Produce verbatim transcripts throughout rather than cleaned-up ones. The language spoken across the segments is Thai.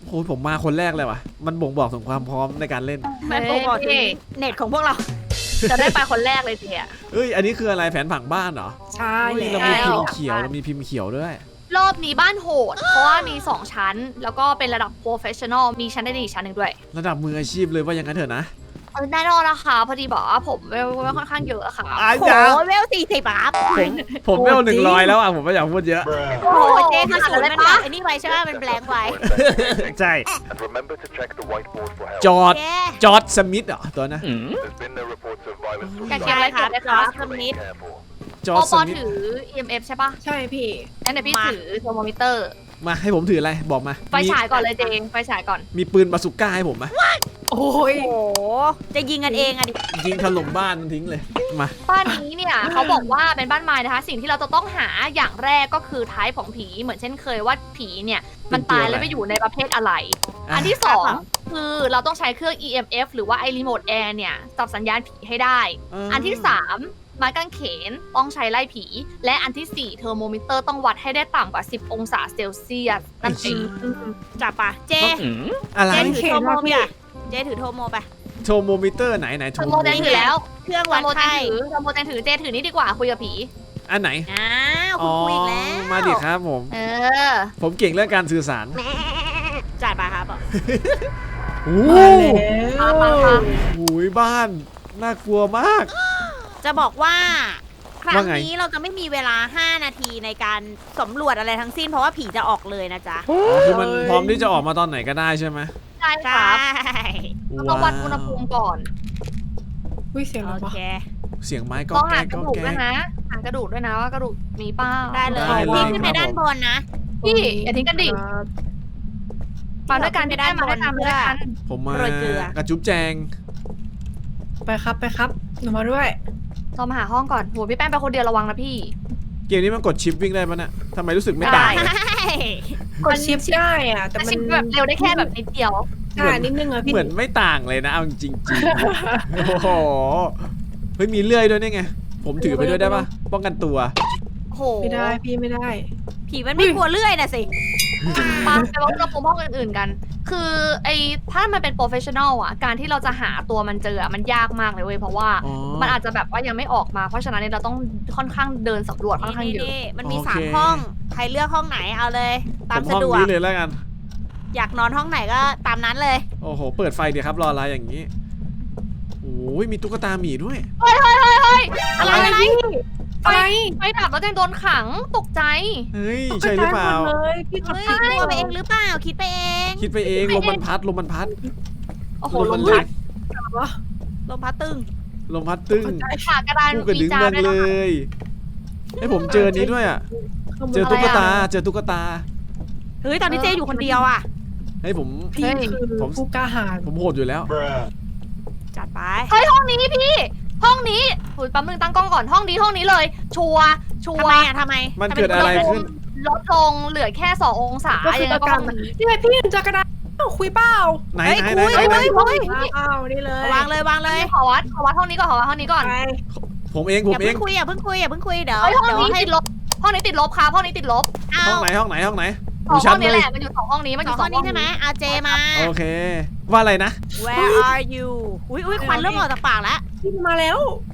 โอ้ยผมมาคนแรกเลยว่ะมันบ่งบอกถึงความพร้อมในการเล่นมันบ่งบอกถึงเน็ตของพวกเราจะได้ไปคนแรกเลยทีอะเอ้ยอันนี้คืออะไรแผนผังบ้านเหรอใช่เฮ้ยแล้เราวมีพิมพ์เขียวเรามีพิมพ์เขียวด้วยรอบนี้บ้านโหด เพราะว่ามีสองชั้น แล้วก็เป็นระดับ professional มีชั้นได้ดีอีกชั้นหนึ่งด้วยระดับมืออาชีพเลยว่าอย่างนั้นเถอะนะเออแน่นอนนะคะพอดีบอกว่าผมเวลค่อนข้างเยอะอะค่ะอาโอ้จารย์โหเวลสี่สิบครับผมผมไม่เอาหนึ่งร้อยแล้วอ่ะผมไม่อยากพูดเยอะโอ้โหเจ๊คือศูนย์มันแบบไอ้นี่ไว้ใช่ไหมมันแบงค์ไว้ใช่ And remember to check the whiteboard for help. จอร์ดเจ๊จอร์ดสมิธเหรอตัวนะ There's been no reports of violence or แกเก็บอะไรเก็บเลยครัคะบ Remain careful. จอปร์อดปสอมิธถือ อี เอ็ม เอฟ ใช่ปะใช่พี่งั้นเดี๋ยวพี่ถือเทอร์โมมิเตอร์มาให้ผมถืออะไรบอกมาไฟฉายก่อนเลยเจงไฟฉายก่อนมีปืนบาซูก้าให้ผมไหมโอ้ยโอ้โหจะยิงกันเองอะดิยิงถล่มบ้านมันทิ้งเลยมาบ้านนี้เนี่ย เขาบอกว่าเป็นบ้านไม้นะคะ สิ่งที่เราจะต้องหาอย่างแรกก็คือท้ายของผีเหมือนเช่นเคยว่าผีเนี่ยมันตายแล้วไปอยู่ในประเภทอะไร อันที่สองคือเราต้องใช้เครื่อง อี เอ็ม เอฟ หรือว่าไอรีโมทแอร์เนี่ยจับสัญญาณผีให้ได้ อันที่สามไม้กางเขนต้องใช้ไล่ผี และอันที่สี่เทอร์โมมิเตอร์ต้องวัดให้ได้ต่ำกว่าสิบองศาเซลเซียสนั่นเองจับปะเจ๊อะไรเจ๊ถือโทรโมไปอะเจ๊ถือโทรโมไปโทโมมิเตอร์ไหนไหนเทอร์โมแจนถือแล้วเครื่องเทอวัดร์โมแจนไข้ถือเทอร์โมแจนถือเจถือนี่ดีกว่าคุยกับผีอันไหนอ้าวคุอ๋ณอคุยอีกแล้วมาดิครับผมเออผมเก่งเรื่องการสื่อสารจ่ายปะครับบอกโอ้มาโหแล้วมามาโอ้ยบ้านน่ากลัวมากจะบอกว่าครั้งว่าไงนี้เราจะไม่มีเวลา ห้า นาทีในการสำรวจอะไรทั้งสิ้นเพราะว่าผีจะออกเลยนะจ๊ะอ๋อคือมันพร้อมที่จะออกมาตอนไหนก็ได้ใช่ไหมใช่คใช่รับต้องวัดอุณหภูมิก่อนอุ้ยเสียงอะไรโอวะเคเสียงไม้ก็ต้องแก๊หาก กก็ระดูกแก๊ด้วยกนะหากระดูกด้วยนะว่ากระดูกมีเป้าได้เลยได้เลยพี่ขึ้นไปครับด้านบนนะพี่อย่าทิ้งกันดิครับมาด้วยกันพี่ได้มาด้วยกันมาด้วยกันผมมาโรยเกลือกระจุ๊บแจงไปครับไปครับหนูมาด้วยเรามาหาห้องก่อนโหพี่แป้งไปคนเดียวระวังนะพี่เกมนี้มันกดชิปวิ่งได้ปะเนี่ยทำไมรู้สึกไม่ได้ต่างใช่กดชิปได้อะแต่แต่มันชิปแบบเร็วได้แค่แบบนิดเดียวใช่นิดนึงอะพี่เหมือนไม่ต่างเลยนะเอาจริงๆโอ้โหเฮ้ยมีเลื่อยด้วยนี่ไง ผมถือไปด้วยได้ปะป้องกันตัวโหไม่ได้พี่ไม่ได้ผีมันไม่กลัวเลื่อยนะสิมาไปวัดอุณหภูมิห้องอื่นๆกัน คือไอ้ถ้ามันเป็นโปรเฟชชั่นอลอ่ะการที่เราจะหาตัวมันเจออะมันยากมากเลยเว้ยเพราะว่าอ๋อมันอาจจะแบบว่ายังไม่ออกมาเพราะฉะนั้นเนี่ยเราต้องค่อนข้างเดินสำรวจค่อนข้างเยอะนี่ๆมันมีโอเคสามห้อง ใครเลือกห้องไหนเอาเลย ตามผมสะห้องดวกนี้เลยแล้วกันอยากนอนห้องไหนก็ตามนั้นเลยโอ้โห เปิดไฟเดี๋ยวครับรออะไรอย่างนี้ โอ้ยมีตุ๊กตาหมีด้วยเฮ้ยเฮ้ยเฮ้ยเฮ้ยอะไรอะไรอะไรอะไรไฟดับแล้วแจงโดนขังตกใจเฮ้ย ใช่หรือเปล่าตกใจมดเลยพี่กดเฮ้ยผิดคิดไปเองหรือเปล่า คิดไปเองคิดไปเองลมมันพัดลมมันพัดโอ้โหลลมมมันพัพัดดวะลมพัดตึงลมพัดตึ้งขากระดานผู้กระดึงจาเมืองด้วยเลนะคะยให้ผมเจอนี้ด้วยอ่ะ เจอตุ๊กตา เจอตุ๊กตาเฮ้ย ตอนนี้เจอยู่คนเดียวอ่ะให้ผมพี่คือผมผู้กล้าหาญผมโหดอยู่แล้วจัดไปเฮ้ยห้องนี้พี่ ห้องนี้โอ้ยแป๊บนึงตั้งกล้องก่อนห้องนี้ห้องนี้เลย ชัวร์ชัวทำไมร์อ่ะทำไมมันทำเกิดอะไรขึ้นลดลงเหลือแค่สององศาก็คือยังไงประก็กัห้นองนี้นี่ไงพี่เจอกระดาษอ้าวคุยเปล่าไหนเฮ้ยไหนไหนคุยไหนเฮ้ยไหนเฮ้ยอ้าวนี่เลยวางเลยวางเลยขอวัดขอวัดห้องนี้ก่อนขอวัดห้องนี้ก่อนไปผมเองผอมย่าเอเพิ่งงคุยอย่าเพิ่งคุยอย่าเพิ่งคุยเดี๋ยวเฮ้ยห้องเดี๋ยวนี้ให้ติดลบห้องนี้ติดลบครับห้องนี้ติดลบเอาห้องไหนห้องไหนห้องไหนสองดูห้ชัอดงนี้เลแหยละมันอยู่สองห้องนี้มันอสอยู่ งสห้อองงห้นี้องใช่ไหมอาเจมาโอเค ว่าอะไรนะ Where are you อุ้ยอุ้ยควันเริ่มออกจากปากแล้วพี่มาแล้ว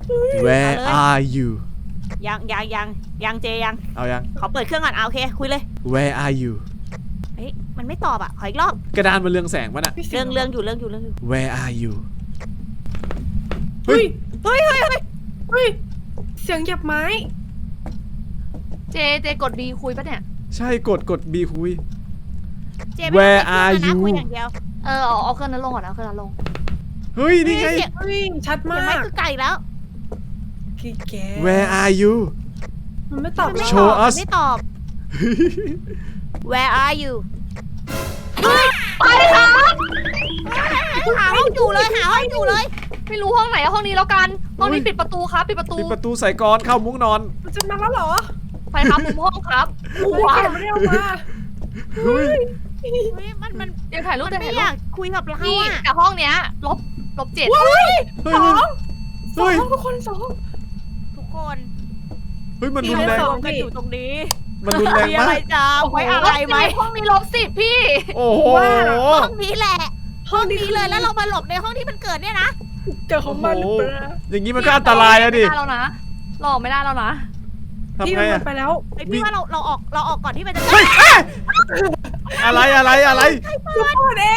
Where เลย are you ยังยังยังยังเจยังเอายังขอเปิดเครื่องก่อนเอาโอเคคุยเลย Where are you เฮ้ยมันไม่ตอบอ่ะขออีกรอบกระดานมันเรืองแสงปะน่ะพี่สีเรื่องเรื่องอยู่เรื่องอยู่เรื่องอยู่ Where are you เฮ้ยเฮ้ยเฮ้ยเฮ้ยเฮ้ยเสียงเหยียบไม้เจเจกด B คุยปะเนี่ยใช่กดกด B คุยเจไม่ต้อง Where เปิด are เครื่อง you นะคุยอย่างเดียวเออเอาเอาเครื่องนั้นลงก่อนเอาเครื่องนั้นลงเฮ้ย นี่ไงเสียงเฮ้ยชัดเสีมายงไม่กคือไก่แล้วพี่แก Where are you มันไม่ตอบมันไม่เรา Show ตอบ us มันไม่ตอบ Where are you ไปครับหาห้องอยู่เลยหาห้องอยู่เลยไม่รู้ห้องไหนห้องนี้แล้วกันห้องนี้ปิดประตูครับปิดประตูปิดประตูใส่กรอนเข้ามุ้งนอนมันจะมาแล้วเหรอไปครับมุมห้องครับโอ้ยว้าแกไม่ได้เอามาเฮ้ยเฮ้ยมันมันเดี๋ยวถ่ายรูปมันเดี๋ยวไม่ถ่ายรูปอยากคุยกับเรานี่อ่ะแต่ห้องเนี้ยลบลบเจ็ดเฮ้ยสเฮ้อย งสอเฮ้ยงทุกคนสองทุกคนเฮ้ย มันพี่รุนไม่แรงสรอวมกันอยู่ตรงนี้มันรุนแรงมีอะมาไรกจ้าไว้อะไรไหมห้องนี้ลบสิบพี่โอ้โหห้องนี้แหละ ห้องนี้เลยแล้วเรามาหลบในห้องที่มันเกิดเนี่ยนะเจอของมันหรือเปล่าอย่างนี้มันก็อันตรายอะดิไม่ได้แล้วนะหลอกไม่ได้แล้วนะพี่ทำไงมัอะนไปแล้วไอพี่ว่าเราเราออกเราออกก่อนที่มันจะอะไรอะไรอะไรทุกคนเอง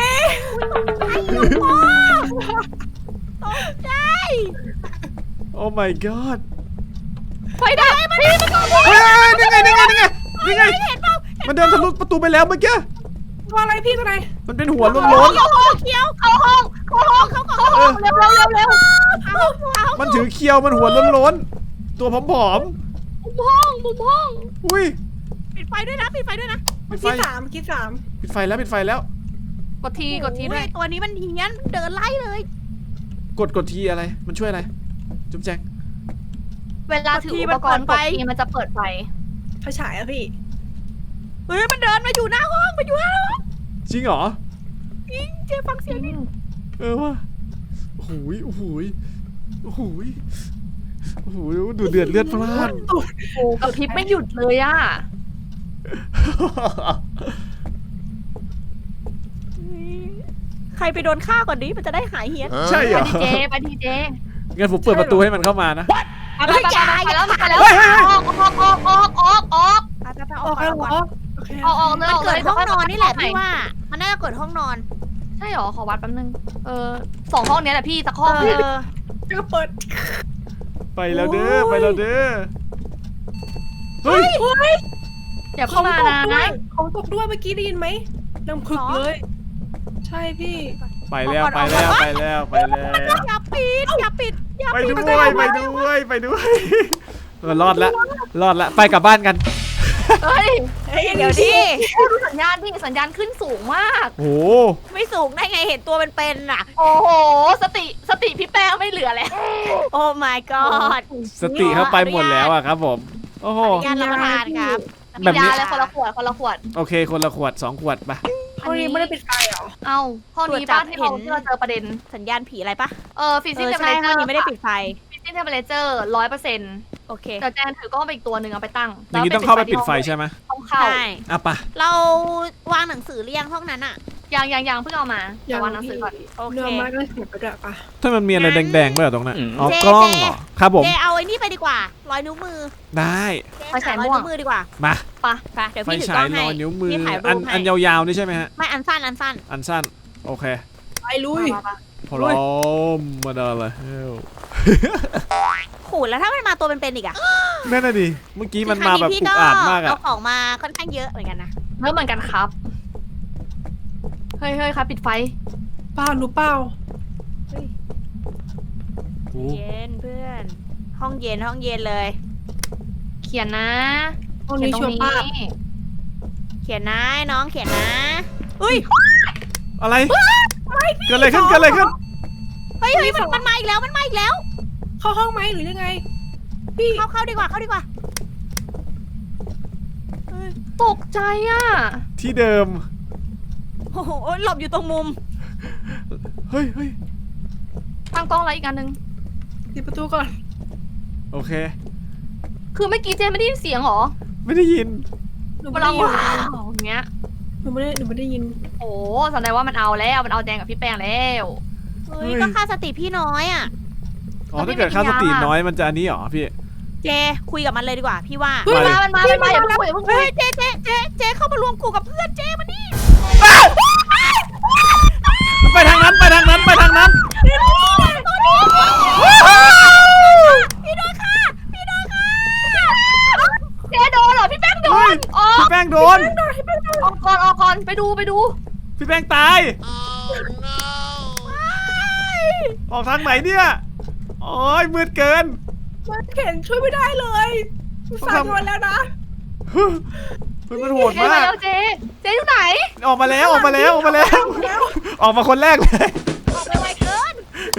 ตกใจโอ้ my god ไฟดับพี่มันก็เฮ้ยนี่ไงนี่ไงนี่ไงนี่ไงมันเดินทะลุประตูไปแล้วเมื่อกี้ว่าอะไรพี่ตัวไหนมันเป็นหัวโล้นเขียวเขียวเข้าห้องเข้าห้องเข้าห้องเร็วเร็วเร็วเร็วเอาเอาๆมันถือเคียวมันหัวโล้นๆตัวผอมมุมห้องมุมห้องๆอุ้ยปิดไฟด้วยนะปิดไฟด้วยนะปิดไฟคิดสามคิดสามปิดไฟแล้วปิดไฟแล้วกดทีกดทีด้วยโอ้ตัวนี้มันเฮี้ยนเดินไล่เลยกดกดทีอะไรมันช่วยอะไรจุ๊บแจงเวลาถืออุปกรณ์กดทีมันจะเปิดไฟไฟฉายอะพี่เฮ้ยมันเดินมาอยู่หน้าห้องมาอยู่หน้าห้องจริงเหรอจริงเจ๊ฟังเสียงนี่เออว่ะโอ้โหยโอ้โหยโอ้โหยโอ้โหยดูเดือดเลือดพล่านโอ้กระพริบไม่หยุดเลยอ่ะใครไปโดนฆ่าก่อนดิมันจะได้หายเฮี้ยนใช่เหรไปอดีเจไปดีเจงั้นผมเปิดประตูให้มันเข้ามานะไปไปไปไปแล้วไปแล้วเฮ้ยเฮ้ยเฮ้ยออกออกออกออกออกออกไปไปไปออออก กแล้ก่วอนเหรอออกโอเคออกออกเลยมันออกเลเกิดยห้องนอนนี่แหละใหม่พี่ว่า มันน่าจะเกิดห้องนอนใช่หรอขอวัดแป๊บนึงเออสองห้องเนี้ยแหละพี่สักห้องเอเนี่ยอก็เปิดไปแล้วเด้อไปแล้วเด้อเฮ้ยเฮ้ยอย่าขเข้าองมาตกนะด้วยของตกด้วยเมื่อกี้ได้ยินไหมดังพึกเลย ใช่พี่ไปแล้วไปแล้วไปแล้วไปแล้วอย่าปิดอย่าปิดอย่าไปปิดด้วยไปด้วยไปด้วยเออรอดละรอดละไปกลับบ้านกันเฮ้ยเดี๋ยวดิโอ้ดูสัญญาณพี่สัญญาณขึ้นสูงมากโอ้ไม่สูงได้ไงเห็นตัวเป็นๆน่ะโอ้โหสติสติพี่แป้งไม่เหลือแล้วโอ้ my god สติเข้าไปหมดแล้วอะครับผมโอ้โหงานรับประทานครับแบบนี้ยาเลยคนละขวดคนละขวดโอเคคนละขวดสองขวดไปห้องนี้ไม่ได้ปิดไฟเหรอเอ้าห้องนี้ป้าที่เราที่เราเจอประเด็นสัญญาณผีอะไรปะเออฟิเอสิกอส์เทมเพใช่ลเจห้อองร์นี้ไม่ได้ปิดไฟฟิสิกส์เทมเพลเจอร์ร้อยเปอร์เซ็นต์โอเคแต่แจนถือกล้องไปอีกตัวหนึ่งเอาไปตั้งอย่างนี้ต้องเข้าไปปิดไฟใช่ไหมต้องเข้าใช่อ่ะปะเราวางหนังสือเรียงห้องนั้นอะยังยังยังเพิ่งเอามาแต่วางหนังสือก่อนโอเคเนื้อมาก็เสียบไปด้วยปะถ้ามันมีอะไรแดงๆไหมเหรอตรงนั้นอ๋อเจกล้องเจเหรอครับผมเจเอาไอ้นี่ไปดีกว่า รอยนิ้วมือได้เจหารอยนิ้วมือดีกว่ามาปะไปเดี๋ยวไฟพี่ถือฉากล้อย งรให้อยนิ้วมือพี่ถ่ายรูปอันให้อันยาวๆนี่ใช่ไหมฮะไม่อันสั้นอันสั้นอันสั้นโอเคไปลุยมาปะพร้อมมาได้เลยขูดแล้วถ้ามันมาตัวเป็นๆอีกอะนั่นน่ะดิเมื่อกี้มันมาแบบครั้งอุพี่กอาจมากเอาอะของมาค่อนข้างเยอะเหมือนกันนะเริ่มเหมือนกันครับเฮ้ยเฮ้ยครับปิดไฟเปล่าหนูเปล่าโอ้เย็นเพื่อน ห้องเย็นห้องเย็นเลยเขียนนะห้องเขียนี้นตรชัวงร์นี้ป้าเขียนนะน้องเขียนนะอุ้ยอะไรเกิดอะไรขึ้นเกิดอะไรขึ้นเฮ้ยเฮ้ยมันมันมาอีกแล้วมันมาอีกแล้วเข้าห้องไหมหรือยังไง พี่เข้าเข้าดีกว่าเข้าดีกว่าเฮ้ยตกใจอ่ะที่เดิมโอ้โหหลบอยู่ตรงมุมเฮ้ยเฮ้ยตั้งกล้องอะไรอีกอันหนึ่งปิดประตูก่อนโอเคคือเมื่อกี้เจนไม่ได้ยินเสียงเหรอไม่ได้ยินหนูเวไม่ลาได้ยินว้าวอย่างเงี้ยหนูไม่ได้หนูไม่ได้ยินโอ้แสดงว่ามันเอาแล้วมันเอาแจงกับพี่แป้งแล้วเฮ้ยก็ค่าสติพี่น้อยอ่ะอ๋อถ้าเกิดค่าสติน้อยมันจะอันนี้เหรอพี่เจคุยกับมันเลยดีกว่า พี่ว่าเฮ้ยมามันมามันมาอย่าเพิ่งคุยอย่าเพิ่งคุเฮ้ยยเจเจเจเจเข้ามารวมกูกับเพื่อนเจมานี่ไปทางนั้นไปทางนั้นไปทางนั้นพี่โดนค่ะพี่โดนค่ะเจโดนเหรอพี่แป้งโดเฮ้ยนออกพี่แป้งโดนออกก่อนออกก่อนไปดูไปดูพี่แป้งตายออกทางไหนเนี่ยโอ้ยมืดเกินมันเข็นช่วยไม่ได้เลยสายวันแล้วนะเฮ้ยมันโหดเจมามากแล้วเจเจอยู่ไหนออกมาแล้วออกมาแล้วออกมาแล้ว ออกมาคนแรกเลยออกไปไวเกิน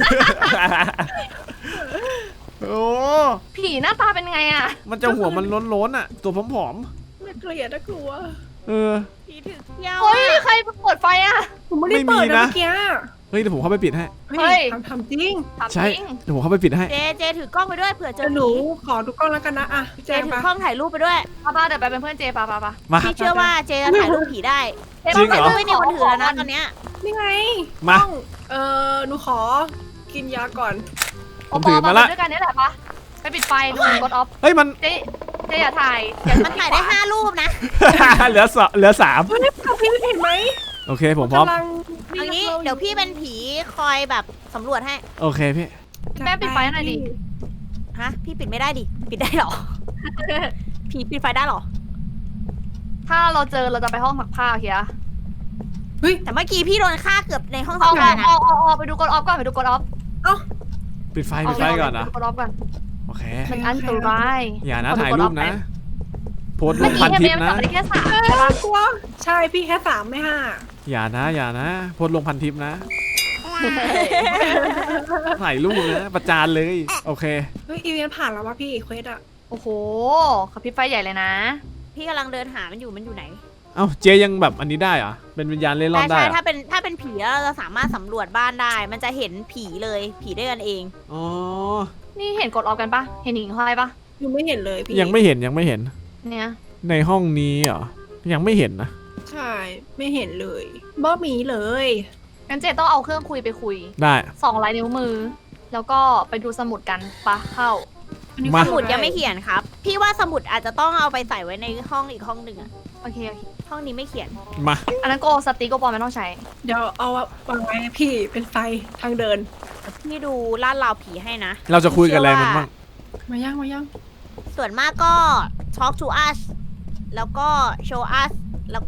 โอ้ผีหน้าตาเป็นไงอ่ะมันจะหัวมันล้นๆอ่ะ ตัวผอมน่าเกลียดน่ากลัวๆเออพี่ถึงเที่ยวเฮ้ยใครเปิดไฟอ่ะหนูไม่ได้เปิดไม่มีนะนะเมื่อกี้เฮ้ยเดี๋ยวผมเข้าไปปิดให้เฮ้ยทำทำจริงถามใช่จริงเดี๋ยวผมเข้าไปปิดให้เจเจถือกล้องไปด้วยเผื่อเจเดี๋ยอวหนูผีขอดูกล้องแล้วกันนะอ่ะเจแจ้งถือปะกล้องถ่ายรูปไปด้วยป้าป้าเดี๋ยวไปเป็นเพื่อนเจป้าป้าป้ามาพี่เชื่อว่าเจจะถ่ายรูปผีได้เจ๊จริงเหรอกล้ไม่มีคนถือแล้วนะตอนเนี้ยนี่ไงมากล้องเออหนูขอกินยาก่อนผมถือมาละด้วยกันนี่แหละปะไปปิดไฟดูกดออฟเฮ้ยมันเจ๊เจ๊อย่าถ่ายอย่ามันถ่ายได้ห้ารูปนะเหลือสองเหลือสามเฮ้ยพี่เห็นไหมโอเคผมพร้อมกำลังเอางี้เดี๋ยวพี่เป็นผีคอยแบบสำรวจให้โอเคพี่แม่ปิดไฟหน่อยดิฮะ พี่ปิดไม่ได้ดิ ปิดได้เหรอ ผีปิดไฟได้เหรอถ้าเราเจอเราจะไปห้องซักผ้าโอเคอะแต่เมื่อกี้พี่โดนฆ่าเกือบในห้องอสัอก กการอนะอกออกออกไปดูกดออฟก่อนไปดูกดออฟปิดไฟปิดไฟก่อนนะกดออฟก่อนโอเคมันอันตรายอย่านะถ่ายรูปนะ โพสต์ลเมื่องพักี้นแค่ทิปเมย์มันนะจับได้แค่สามเอใช่อปะกลัวใช่พี่แค่สามไม่ห้าอย่านะอย่านะ โพสต์ลงพันทิปนะ ถ่ายรูปนะประจานเลย โอเคเฮ้ยอีเวนต์ผ่านแล้ววะพี่เควสอะโอ้โหขับพริบไฟใหญ่เลยนะพี่กำลังเดินหามันอยู่ มันอยู่ไหนเอ้าเจยังแบบอันนี้ได้เหรอเป็นวิญญาณเล่ร่อนใช่ได้ใช่เหรอถ้าเป็นถ้าเป็นผีแล้วเราจะสามารถสำรวจบ้านได้ มันจะเห็นผีเลย ผีด้วยกันเองอ๋อนี่เห็นกดออฟกันปะเห็นหญิงห้อยปะยังไม่เห็นเลยพี่ยังไม่เห็นยังไม่เห็นเนี่ยในห้องนี้เหรอยังไม่เห็นนะใช่ไม่เห็นเลยบ่มีเลยงั้นเจต้องเอาเครื่องคุยไปคุยได้สองลายนิ้วมือ แล้วก็ไปดูสมุดกันปะเข้าอันนี้มาสมุดยังไม่เขียนครับ พี่ว่าสมุดอาจจะต้องเอาไปใส่ไว้ในห้องอีกห้องหนึ่งอะโอเคโอเคห้องนี้ไม่เขียนมาอันนั้นโกสติ๊กโกปอไม่ต้องใช้เดี๋ยวเอาวางไว้ให้พี่เป็นไฟทางเดินพี่ดูลาดราวผีให้นะเราจะคุยกันอะไรมันบ้างมาย่างมาย่างส่วนมากก็ talk to us แล้วก็ show us แล้วก็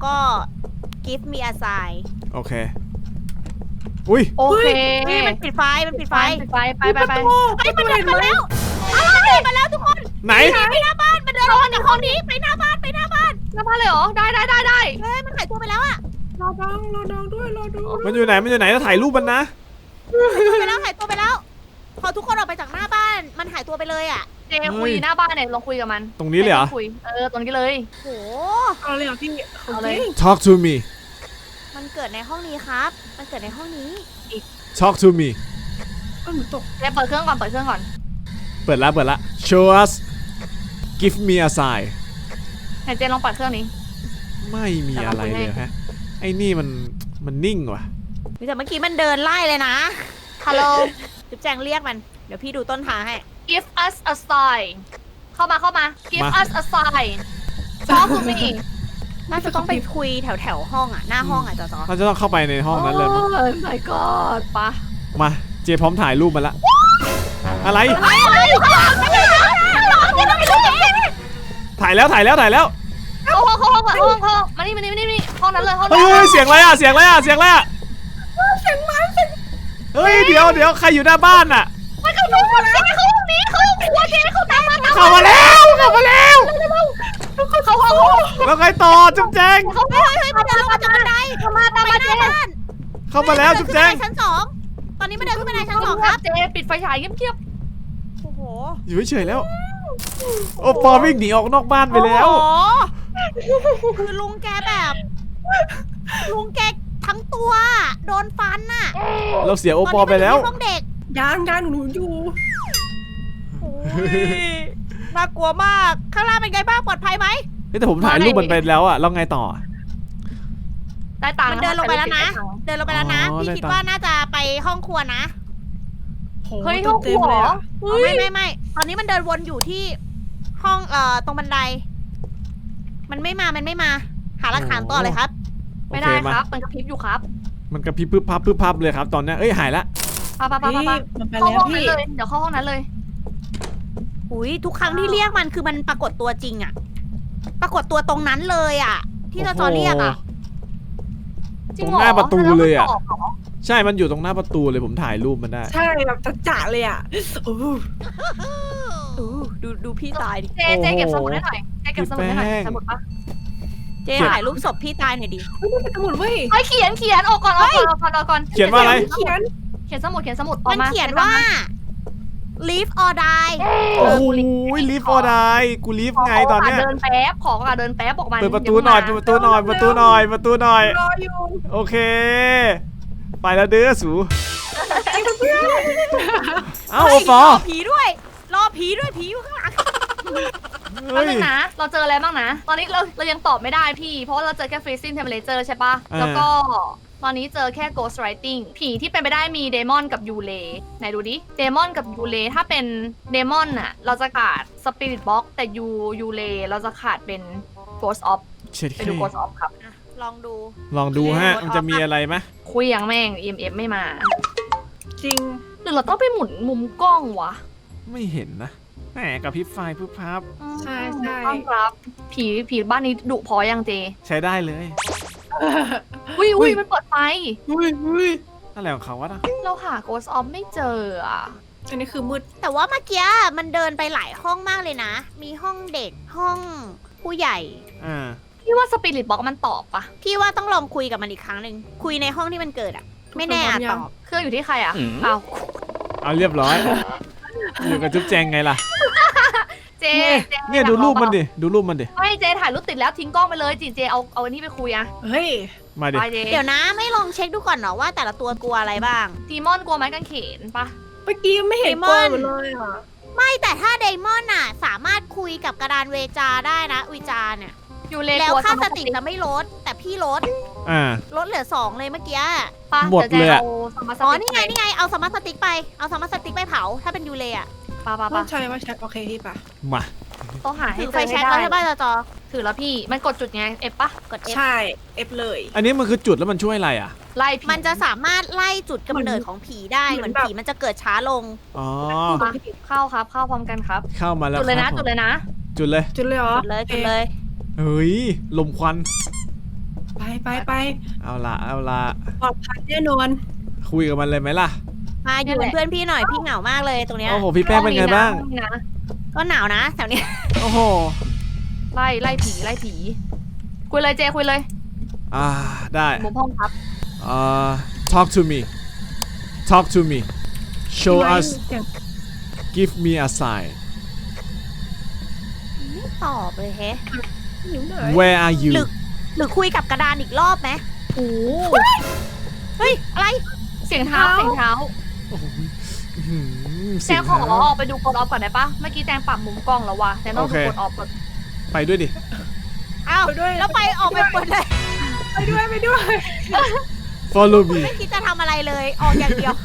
give me a sign โอเคอุ้ยโอเคนี่มันปิดไฟ มันปิดไฟปิดไฟไปไปไปไอ้ยมันเดินมาแล้วอ้าวมันเดินมาแล้วทุกคนไหนไปหน้าบ้าน มันเดินออกมาจากห้องนี้ ไปหน้าบ้าน ไปหน้าบ้านหน้าบ้านเลยเหรอ ได้ได้ได้ได้เฮ้ย มันหายตัวไปแล้วอะรอดองรอดองด้วยรอดูมันอยู่ไหนมันอยู่ไหนจะถ่ายรูปมันนะหายตัวไปแล้ว หายตัวไปแล้ว พอทุกคนออกไปจากหน้าบ้าน มันหายตัวไปเลยอะเจคุยหน้าบ้านเนี่ยลองคุยกับมันตรงนี้เลยเหรอคุยเออตรงนี้เลยโหเอาเลยเหรอพี่เอาเลย Talk to me มันเกิดในห้องนี้ครับ มันเกิดในห้องนี้ Talk to me เออหนูตกเจเปิดเครื่องก่อนเปิดเครื่องก่อนเปิดละเปิดละ Show us Give me a sign ไหนเจลองเปิดเครื่องนี้ไม่มีอะไรเลยฮะไอ้นี่มันมันนิ่งว่ะแต่เมื่อกี้มันเดินไล่เลยนะฮัลโหลจุ๊บแจงเรียกมัน เดี๋ยวพี่ดูต้นทางให้ give us a sign เข้ามาเข้ามา give มา us a sign talk to me น่าจะต้องไปคุยแถวแถวๆห้องอ่ะ หน้าห้องอ่ะจอจอเราจะต้องเข้าไปในห้องนั้นเลยมั้งโอ้ my god ปะมาเจพร้อมถ่ายรูปมาละอะไร ถ่ายแล้วถ่ายแล้วถ่ายแล้วเข้าห้องเข้าห้องก่อนเข้าห้องเข้าห้องมานี่มานี่มานี่มานี่ห้องนั้นเลยห้องเฮ้นั้ยนเฮ้ยเสียงอะไรอ่ะเสียงอะไรอ่ะเสียงอะไรอ่ะเฮ้ยเดี๋ยวเดี๋ยวใครอยู่หน้าบ้านอ่ะมันเข้าห้องเจเข้าห้องนี้เข้าห้องครัวเจเข้าตามมาตามเข้ามาแล้วเข้ามาแล้วเข้าห้องแล้วไงต่อจุ๊บแจงเข้าห้องเฮ้ยมันเดินลงมาจากบันไดเข้ามาตามไปมาหเจน้าบ้านเข้ามาแล้วจุ๊บแจงขึ้นบันไดชั้นสองตอนนี้มันเดินขึ้นบันไดชั้นสองครับเจปิดไฟฉายเงียบโอ้โหอยู่เฉยๆแล้ว โอ้ปอวิ่งหนีออกนอกบ้านไปแล้วโอ้โหคือลุงแกแบบ ลุงแกทั้งตัว โดนฟันน่ะเราเสียโอปอไปแล้วตอนนี้มันอยู่ที่ห้องเด็กย่างย่างหนูอยู่โอ้ยน่ากลัวมาก ข้างล่างเป็นไงบ้างปลอดภัยไหมเฮ้ยแต่ผมถ่ายรูปมันไปแล้วอ่ะแล้วไงต่อๆได้ตังค์มันเดินลงไปแล้วนะ เดินลงไปแล้วนะอ๋อพี่ได้คิดตังค์ว่าน่าจะไปห้องครัวนะโหเฮ้ยห้องคเต็รัมวๆเหเลรยออะอ๋อไม่ไม่ไม่ตอนนี้มันเดินวนอยู่ที่ห้องเอ่อตรงบันได มันไม่มา มันไม่มา หาหลักฐานต่อเลยครับไม่ได้โอเคครับ มันกระพริบอยู่ครับมันกระพริบพึบพับพึบพับเลยครับตอนเนี้ยเอ้ยหายละปะปะปะพี่ปะมันไปเข้าแล้วห้องนั้นพี่เลย เดี๋ยวเข้าห้องนั้นเลยอุ้ยทุกครั้งที่เรียกมันคือมันปรากฏตัวจริงอะปรากฏตัวตรงนั้นเลยอะที่เราจอเรียกอะจตริรง งเหรอหน้าประตูเลยอ่ะแล้วมันตอบเหรอใช่ มันอยู่ตรงหน้าประตูเลยผมถ่ายรูปมันได้ใช่แบบจะจะเลยอ่ะโอ้โหอู้ดูดูพี่ตายดิเจเจเก็บสมุดให้หน่อยเจเก็บสมุดให้หน่อยพี่แป้งสมุดปะเจ๊ถ่ายรูปศพพี่ตายหน่อยดิเฮ้ยมันเป็นสมุดเว้ยเฮ้ยเขียนเขียนออกก่อนออกก่อนออกก่อนออกก่อนเขียนว่าอะไรเขียนเขียนสมุดเขียนสมุดออมักนมาเขียนว่า live or die โอ้โหลิฟต์ออไดกูลิฟต์ไงตอนเนี้ยเดินแป๊บของอ่ะเดินแป๊บออกมาเปิดประตูหน่อยเปิดประตูหน่อยเปิดประตูหน่อยเปิดประตูหน่อยรออยู่โอเคไปแล้วเด้อสูเอ้าโอเฮ้ยปอรอผีด้วย รอผีด้วยผีอยู่ข้างหลังเฮ้แป๊บยนึงนะ เราเจออะไรบ้างนะ ตอนนี้เราเรายังตอบไม่ได้พี่ เพราะว่าเราเจอแค่ freezing temperature ใช่ปะอ่าแล้วก็ตอนนี้เจอแค่ ghost writing ผีที่เป็นไปได้มีเดมอนกับยูเลไหนดูดิ เดมอนกับยูเลถ้าเป็นเดมอนน่ะ เราจะขาด spirit box แต่ยูยูเลเราจะขาดเป็น ghost of เช็ดไปดู ghost of ครับอ่ะลองดูลองดูฮะโอเคมันจะมีอะไรไหมคุยยังแม่ง อี เอ็ม เอฟ ไม่มาจริงหรือเราต้องไปหมุนมุมกล้องวะไม่เห็นนะแหมกับพริบไฟพึบพับใช่ใช่ต้อนรับผีผีบ้านนี้ดุพอยังเจใช้ได้เลยอุ้ยอุ้ยมันเปิดไฟอุ้ยอุ้ยอะไรของเขาวะนะเราหา ghost of ไม่เจออ่ะอันนี้คือมืดแต่ว่าเมื่อกี้มันเดินไปหลายห้องมากเลยนะ มีห้องเด็กห้องผู้ใหญ่อ่าพี่ว่า spirit box มันตอบปะพี่ว่าต้องลองคุยกับมันอีกครั้งหนึ่งคุยในห้องที่มันเกิดอะไม่แน่อาจตอบเครื่องอยู่ที่ใครอ่ะเอาเอาเรียบร้อยอยู่กับจุ๊บแจงไงล่ะเจเจเนี่ยดูรูปมันดิดูรูปมันดิไม่เจถ่ายรูปติดแล้วทิ้งกล้องไปเลยจีเจเอาเอาอันนี้ไปคุยอะเฮ้ยมาดิไปเจเดี๋ยวนะไม่ลองเช็คดูก่อนเหรอว่าแต่ละตัวกลัวอะไรบ้างดีมอนกลัวไม้กางเขนปะเมื่อกี้ไม่เห็นเดมกอนลัวเลยอ่ะไม่แต่ถ้าไดมอนน่ะ สามารถคุยกับกระดานเวจาได้นะวิจาเนี่ยยูเลแล้วกลัวค่าสสมาติติจะไม่ลด แต่พี่ลดอ่าลดเหลือสองเลยเมื่อกี้ปะหมดเลยอะดี๋วจอาสมาอ๋อตินี่ไงนี่ไงเอาสมาร์ทสติ๊กไปเอาสมาร์ทสติ๊กไปเผาถ้าเป็นยูเลอะปะปะต้อปะงใช้ว่าแช็คโอเคพี่ปะมาต้องหาให้ถือเจไฟอแช็ให้กแล้วได้ใช่ป่ะจอจอถือแล้วพี่มันกดจุดไงเอฟปะกด F ใช่เอฟเลยอันนี้มันคือจุดแล้วมันช่วยอะไรอ่ะไล่ผีมันจะสามารถไล่จุดกำเนิดของผีได้เหมือนผีมันจะเกิดช้าลงอ๋อมาเข้าครับเข้าพร้อมกันครับเข้ามาแล้วจุดเลยนะครับผมจุดเลยนะจุดเลยจุดเลยเหรอจุดเลยจุดเลยเฮ้ยลมควันไปไปไปเอาละเอาละปลอดภัยแน่นอนคุยกับมันเลยไหมล่ะมาอยู่เป็นเพื่อนพี่หน่อยพี่เหงามากเลยตรงเนี้ยโอ้โหพี่แป้งเป็นไงบ้างห้อนี้นะก็หนาวนะแถวเนี้ยโอ้โหไล่ไล่ผีไล่ผีคุยเลยเจคุยเลยอ่าได้มุมห้องครับอ่า talk to me talk to me show us เสียง give me a sign ไม่ตอบเลยแฮะอยู่ไหน where are you หรือ หรือคุยกับกระดานอีกรอบไหมโอ้เฮ้ยอะไรเสียงเท้าเสียงเท้าโอ้โหอื้อหือแจเสียงงขอเท้าออกไปดูกดออฟก่อนได้ปะเมื่อกี้แจงปรับมุมกล้องแล้ววะแจงต้องโอดูเคกดออฟก่อนไปด้วยดิอ้าวไปด้วยแล้วไปออกไปหมดเลยไปด้วยไปด้วย follow me ไม่คิดจะทำอะไรเลยออกอย่างเดียว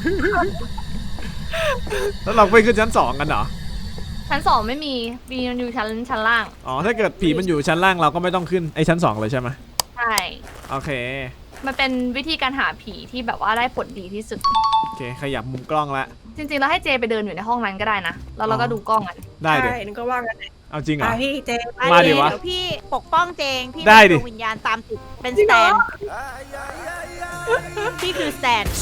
แล้วเราไปขึ้นชั้นสองกันเหรอชั้นสองไม่มีมีมันอยู่ชั้นชั้นล่างอ๋อ ถ้าเกิดผีมันอยู่ชั้นล่างเราก็ไม่ต้องขึ้นไอ้ชั้นสองเลยใช่ไหมใช่โอเคมันเป็นวิธีการหาผีที่แบบว่าได้ผลดีที่สุดโอเค ขยับมุมกล้องละจริงๆเราให้เจไปเดินอยู่ในห้องนั้นก็ได้นะแล้วเราก็ดูกล้องกันได้ดิใช่นึกก็ว่ากันเอาจริงเหรอ่ะอพี่เจมาดิวะเดี๋ยวพี่ปกป้องเจง พี่ได้ดิเป็นดวงวิญญาณตามติดเป็นจริสงแตเหรอนพี่คือสแตน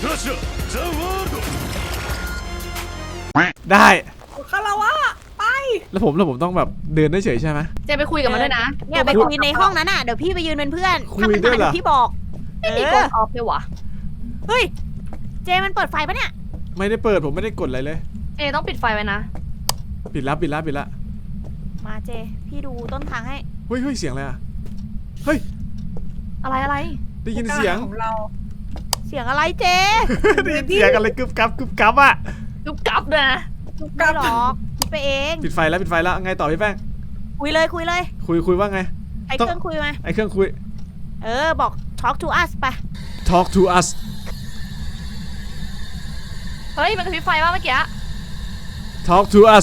ได้คาราวะไปแล้วผมแล้วผมต้องแบบเดินได้เฉยใช่ไหมเจไปคุยกับมันด้วยนะเนี่ยไปคุยในห้องนั้นน่ะเดี๋ยวพี่ไปยืนเป็นเพื่อนคุยถ้ามันด้วยมาเหรอเดี๋ยวพี่บอกไม่มีเอก อดออฟเลยวะเฮ้ยเจมันเปิดไฟปะเนี่ยไม่ได้เปิดผมไม่ได้กดอะไรเลยเจต้องปิดไฟไว้นะปิดแล้วปิดแล้วปิดแล้วมาเจ พี่ดูต้นทางให้เฮ้ยเฮ้ยเสียงอะไรอ่ะ เฮ้ยอะไรอะไรได้ยินเสียงของเราเสียงอะไรเจได้ยินเสียงอะไรกึบกับกึบกับอ่ะยุบกลับด้วยนะไม่หรอกคิดไปเองปิดไฟแล้วปิดไฟแล้วไงต่อพี่แป้งคุยเลยคุยเลยคุยคุยว่าไงไอ้ต้องเครื่องคุยมาไอเครื่องคุยเออบอก talk to us ไป talk to us เฮ้ยมันกระพริบไฟว่าเมื่อกี้ talk to us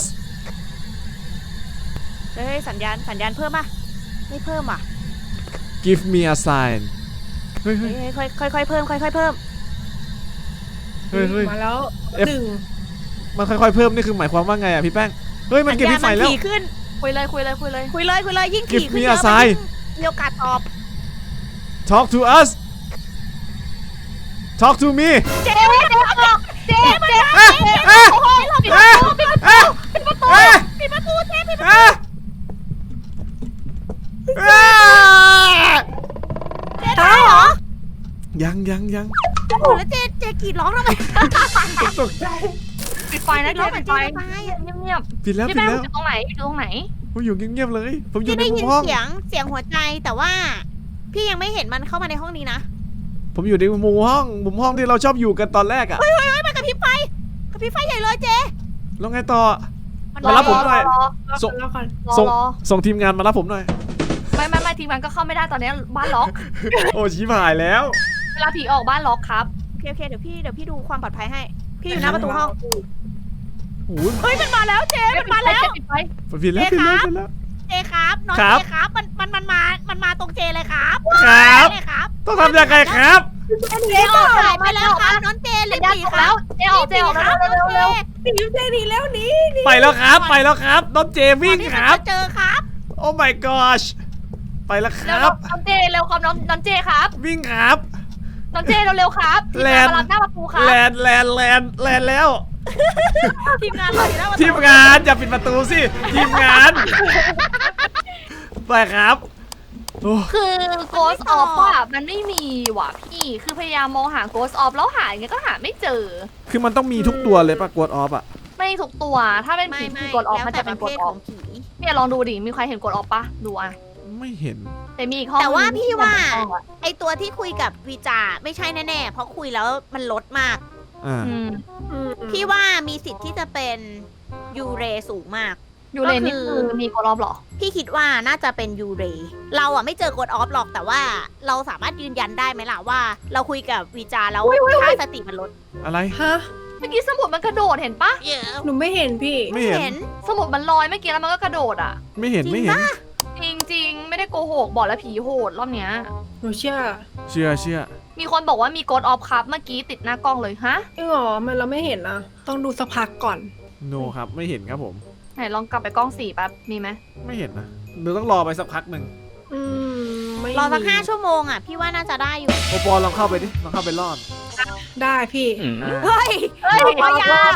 เฮ้ยสัญญาณสัญญาณเพิ่มป่ะไม่เพิ่มอ่ะ give me a sign เฮ้ยเฮ้เฮ้ยยค่อยค่อยค่อยเพิ่มค่อยค่อยเพิ่มเฮ้ยเฮ้ยมาแล้ว F หนึ่งมันค่อยๆเพิ่มนี่คือหมายความว่าไงอ่ะพี่แป้ง เฮ้ยมันเก็บพี่ไฟแล้วสัญญาณมันถี่ขึ้นคุยเลยคุยเลยคุยเลยคุยเลยคุยเลยยิ่ง Give ถี่ขึ้น me เย a อะ sign มันยิ่งมีโอกาสตอบ talk to us talk to me เจ๊ไม่ได้ออกเจ๊ไม่ได้อ่ะอ่ะโอ้ยเราปิดอ่ะประตูปิดประตูอ่ะปิดประตูเจ๊ปิดประตูอ่ะอ่ะเจ๊ตายเหรอยังยังยังโอ้โหแล้วเจ๊เจ๊กรีดร้องทำไมตกใจปิดไฟนะร้องเจเหมืปิอนดไฟเจ๊จะตายอะเงียบปิดแล้วๆพี่ปิดแป้งแล้วอยู่ตรงไหนอยู่ตรงไหนผมอยู่เงียบๆเลย ผมอยู่พี่ในได้มุยิมนห้องเสียงเสียงหัวใจแต่ว่า พี่ยังไม่เห็นมันเข้ามาในห้องนี้นะผมอยู่ในมุมห้องมุมห้องที่เราชอบอยู่กันตอนแรกอะเฮ้ยเฮ้ยเฮ้ยมันกระพริบไฟกระพริบไฟใหญ่เลยเจแล้วไงต่อมันมารับผมหน่อยรอส่งแล้วก่อนรอส่งรอส่งทีมงานมารับผมหน่อยไม่ไม่ไม่ทีมงานก็เข้าไม่ได้ตอนนี้บ้านล็อกโอ้ชิบหายแล้วเวลาผีออกบ้านล็อกครับโอเคโอเคเดี๋ยวพี่เดี๋ยวพี่ดูความปลอดภัยให้ พี่อยู่หน้าประตูห้องโอ้ยเฮ้ยมันมาแล้วเจมันมาแล้วปิดไฟผิดแล้วผิดแล้วผิดแล้วเจครับน้องครับเจครับมันมันมันมามันมาตรงเจเลยครับครับเลยครับต้องทำยังไงครับเจออกหายไปแล้วครับน้องเจรีบยัหนนีออกคแล้รัวบเจ๊ออกเจ๊ออกคแล้รัวบน้องเร็วเจเร็วหนีได้หนีแล้วหนีไปแล้วครับ ไปแล้วครับ น้องเจวิ่งที่คมันรับจะเจอครับโอ้ my gosh ไปแล้วคเร็วรับน้องเจเร็วครับน้องน้องเจครับวิ่งครับน้องเจเร็วๆครับแลนด์มารับหน้าประตูครับแลนด์แลนด์แลนด์แลนด์แล้วทีมงานเราอยู่หน้าประตูทีมงานอย่าปิดประตูสิ ทีมงาน ไปครับโอ้คือ Ghost of อ่ะมันไม่มีว่ะพี่ คือพยายามมองหา Ghost of แล้วหาอย่างเงี้ยก็หาไม่เจอคือมันต้องมีทุกตัวเลยป่ะกดออฟอ่ะไม่ทุกตัว ถ้าเป็นไม่ผีไม่คือ Ghost of แล้วมันแต่จะปเป็นระเภท Ghost ข of องผีเนี่ยลองดูดิ มีใครเห็น Ghost of ปะดูอ่ะไม่เห็นแต่มีอีกห้องแต่ว่าหนึ่งพี่ว่าที่เป็นห้องอะไอตัวที่คุยกับวีจาไม่ใช่แน่ๆ เพราะคุยแล้วมันลดมากอ่าอืมพี่ว่ามีสิทธิ์ที่จะเป็นยูเรสูงมากอยู่เลนนี่ก็คืคือ อมี Ghost of เหรอพี่คิดว่าน่าจะเป็นยูเร เราอ่ะไม่เจอกดออฟหรอกแต่ว่าเราสามารถยืนยันได้ไหมล่ะว่า เราคุยกับวีจาแล้วค่าสติมันลดอะไรฮะเมื่อกี้สมุดมันกระโดดเห็นปะหนูไม่เห็นพี่ไม่เห็นเห็นสมุดมันลอยเมื่อกี้แล้วมันก็กระโดดอ่ะไม่เห็นจริงไม่เห็นปะจริงๆ ไม่ได้โกหกบอกแล้วผีโหดรอบเนี้ยหนูเชื่อเชื่อเชื่อมีคนบอกว่ามี Ghost of ครับเมื่อกี้ติดหน้ากล้องเลยฮะเออหรอมันเราไม่เห็นนะต้องดูสักพักก่อนโนครับไม่เห็นครับผมไหนลองกลับไปกล้องสี่แป๊บ มีไหมไม่เห็นนะหนูต้องรอไปสักพักหนึ่งอืมไม่รอสักมีห้าชั่วโมงอ่ะ พี่ว่าน่าจะได้อยู่โอปอลลองเข้าไปดิลองเข้าไปรอดได้พี่อ่าเฮ้ยเฮ้ยพยา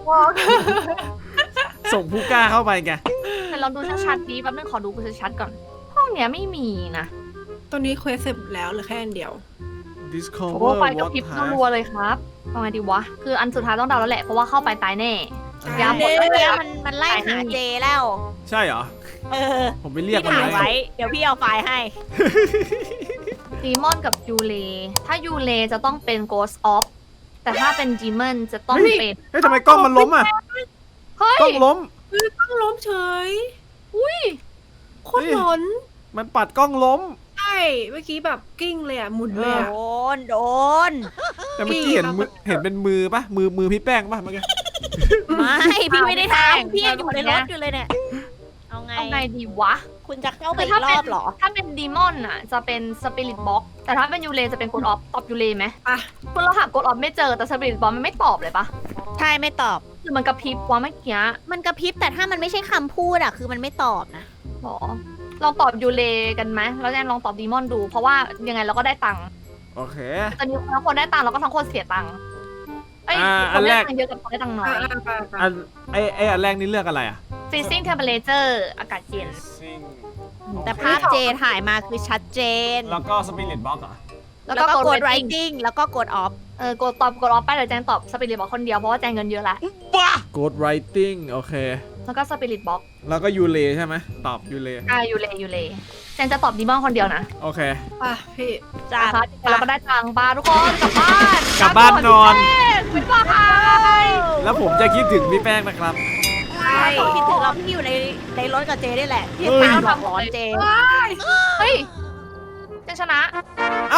ส่งผู้กล้าเข้าไปไงแต่ลองดูชัดๆดีแป๊บนึงขอดูชัดๆก่อน ห้องเนี้ยไม่มีนะตอนนี้เควสเสร็จแล้วเหลือแค่อันเดียว discover โอ้ไปกับ what พริบ type รัวๆเลยครับเอาไงดีวะ คืออันสุดท้ายต้องเดาแล้วแหละ เพราะว่าเข้าไปตายแน่อ่ะยาหมดเมื่แล้วอกี้เนี่ยมันมันไล่หาเจแล้วใช่เหรอเออผมไปเรียกพี่มันถ่ายไว้ไว้ เดี๋ยวพี่เอาไฟล์ให้ดีมอนกับยูเล ถ้ายูเลจะต้องเป็น Ghost of แต่ถ้าเป็นดีมอนจะต้องเป็นเฮ้ยทำไมกล้องมันล้มอ่ะเฮ้ยกล้องล้มต้องล้มเฉยอุ้ยโคตรหลอนมันปัดกล้องล้มใช่เมื่อกี้แบบกิ้งเลยอ่ะหมุนเอเลยออ่ะโดน โดนแต่เมื่อกี้เห็นมือเห็นเป็นมือปะมือมือพี่แป้งปะเมื่อกี้ไม่ พี่ไม่ได้แป้งทำพี่ยังอยู่ในรถอยู่เลยเนี่ย เอาไงเอาไงดีวะคุณจะเข้าไปคืออีถ้ากรเป็นอบเหรอถ้าเป็นดีมอนอ่ะ จะเป็นสปิริตบ็อกแต่ถ้าเป็นยูเลจะเป็นกดออฟตอบยูเลไหมอ่ะคุณเราหากดออฟไม่เจอแต่สปิริตบ็อกมันไม่ตอบเลยปะใช่ไม่ตอบคือมันกระพริบว่าเมื่อกี้มันกระพริบแต่ถ้ามันไม่ใช่คำพูดอะคือมันไม่ตอบนะหรอลองตอบยูเลกันไหมแล้วแจนลองตอบดีมอนดู เพราะว่ายังไงเราก็ได้ตังค์โอเคจะมีทั้งคนได้ตังค์แล้วก็ทั้งคนเสียตังค์เอ้ยอ่าคอันนแรได้กตังค์เยอะกับคนได้ตังค์น้อยอ่ะอ่ะไปไปอันไอไออันแรกนี่เลือกอะไรอ่ะ freezing temperature อากาศเย็นแต่ภาพเจถ่ายมาคือชัดเจนแล้วก็สปิริตบ็อกอ่ะแล้วแล้วก็ก็กกดด writing writing แล้วก็กด off เออกดตอบกดออฟไปเดี๋ยวแจนตอบสปิริตบ็อกคนเดียวเพราะว่าแจนเงินเยอะแล้วกด writing โอเคแล้วก็สปิริตบ็อกแล้วก็ยูเลใช่ไหมตอบยูเลอ่ายูเลยูเลแจนจะตอบดีมอนคนเดียวนะโอเคอ่ะพี่จ้านะคะเราก็ได้ตังค์บ้าทุกคนกลับบ้านกลับบ้านนอนบ๊ายบายแล้วผมจะคิดถึงพี่แป้งนะครับใช่คิดถึงเราที่อยู่ในในรถกับเจนี่แหละที่เฮ้ยตามหลอกหลอนเจเฮ้ยเจนชนะเอ้า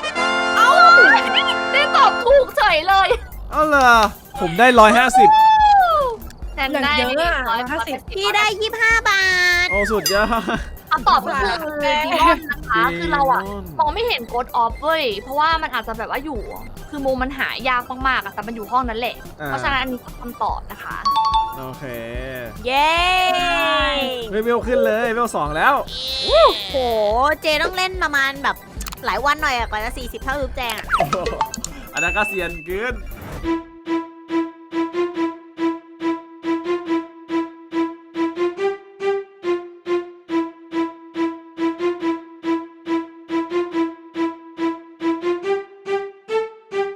ได้ตอบถูกเฉยเลยเอ้าเหรอผมได้ร้อยห้าสิบแจนได้อย่างเยอะอะร้อยห้าสิบพี่ได้ยี่สิบห้าบาทโอ้สุดยอดคำตอบก็คือดีมอนนะคะ คือเราอะดีมอนมองไม่เห็นโกดออฟเว้ย เพราะว่ามันอาจจะแบบว่าอยู่ คือมุมมันหายากมากๆอะแต่มันอยู่ห้องนั้นแหละอ่เพราะฉะนั้นอันนี้คือคำตอบนะคะโอเคเย้เวลเวลขึ้นเลยเวลสองแล้วโหเจต้องเล่นประมาณแบบหลายวันหน่อยอะกว่าจะสี่สิบเท่าลูกแจงอะโอ้โหอันนั้นก็เซียนเกิน